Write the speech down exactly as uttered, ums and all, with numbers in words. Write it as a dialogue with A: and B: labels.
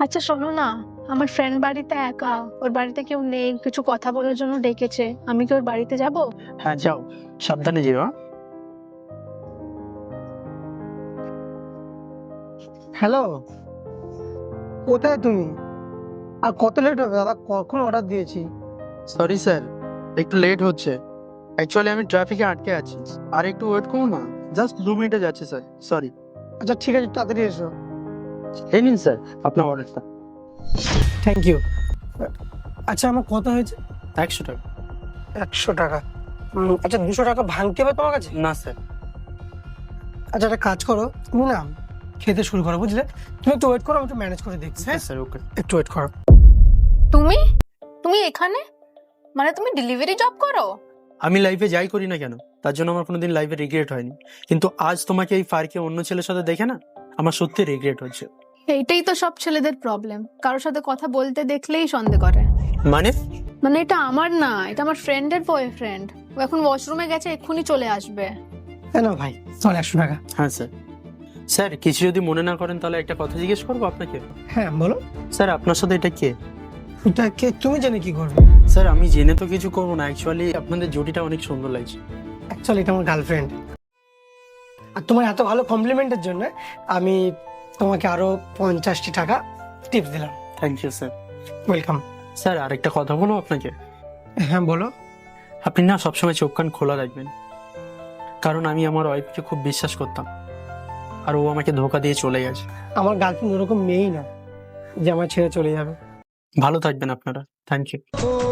A: আচ্ছা শোনো না, আমার ফ্রেন্ড বাড়িতে একা, ওর বাড়িতে কেউ নেই, কিছু কথা বলার জন্য ডেকেছে। আমি কি ওর বাড়িতে যাব?
B: হ্যাঁ যাও, সাবধানে যেও। হ্যাঁ?
C: হ্যালো, কোথায় তুমি? আর কত লেট হবে দাদা? কখন অর্ডার দিয়েছি?
B: সরি স্যার, একটু লেট হচ্ছে। অ্যাকচুয়ালি আমি ট্রাফিকে আটকে আছি। আর একটু ওয়েট করুন না, জাস্ট দু মিনিটে যাচ্ছে স্যার। সরি।
C: আচ্ছা ঠিক আছে, তাড়াতাড়ি এসো।
B: এই নিন স্যার আপনার অর্ডারটা।
C: Thank you. আচ্ছা, আমার কত হয়েছে?
B: একশো টাকা।
C: একশো টাকা? উম, আচ্ছা, দুশো টাকা ভাঙতে হবে তোমার কাছে?
B: না স্যার।
C: আচ্ছা, একটা কাজ করো, তুমি না খেতে শুরু করো, বুঝলে? তুমি একটু ওয়েট করো, আমি একটু ম্যানেজ করে দেখছি।
B: হ্যাঁ
C: হ্যাঁ,
B: স্যার, ওকে।
C: একটু ওয়েট করো।
D: তুমি তুমি এখানে, মানে তুমি ডেলিভারি জব করো?
B: আমি লাইফে যাই করি না কেন, তার জন্য আমার কোনোদিন লাইফে রিগ্রেট হয়নি। কিন্তু আজ তোমাকে এই পার্কে অন্য ছেলের সাথে দেখে না, আমার সত্যি রিগ্রেট হচ্ছে।
A: এইটাই তো সব ছেলেদের প্রবলেম, কারোর সাথে কথা বলতে দেখলেই সন্দেহ করে।
B: মানে?
A: মানে এটা আমার না, এটা আমার ফ্রেন্ডের বয়ফ্রেন্ড। ও এখন ওয়াশরুমে গেছে, এক্ষুনি চলে আসবে।
C: হ্যাঁ না ভাই, চল একশো টাকা।
B: হ্যাঁ স্যার। স্যার কিছু যদি মনে না করেন তাহলে একটা কথা জিজ্ঞেস করবো আপনাকে।
C: হ্যাঁ বলো।
B: স্যার আপনার সাথে এটা কে?
C: এটা কে? তুমি জেনে কি করবে?
B: স্যার আমি জেনে তো কিছু করবো না, অ্যাকচুয়ালি আপনাদের জুটিটা অনেক সুন্দর লাগছে।
C: অ্যাকচুয়ালি এটা আমার গার্লফ্রেন্ড। আর তোমার এত ভালো কমপ্লিমেন্টের জন্য আমি তোমাকে আরো পঞ্চাশটি টাকা টিপস দিলাম।
B: Thank you sir.
C: Welcome.
B: Sir আরেকটা কথা বলবো আপনাকে।
C: হ্যাঁ বলো।
B: আপনি না সবসময় চোখ কান খোলা রাখবেন, কারণ আমি আমার ওয়াইফকে খুব বিশ্বাস করতাম, আর ও আমাকে ধোকা দিয়ে চলে গেছে।
C: আমার গার্লফ্রেন্ড ওরকম মেয়েই না যে আমার ছেড়ে চলে যাবে।
B: ভালো থাকবেন আপনারা। Thank you.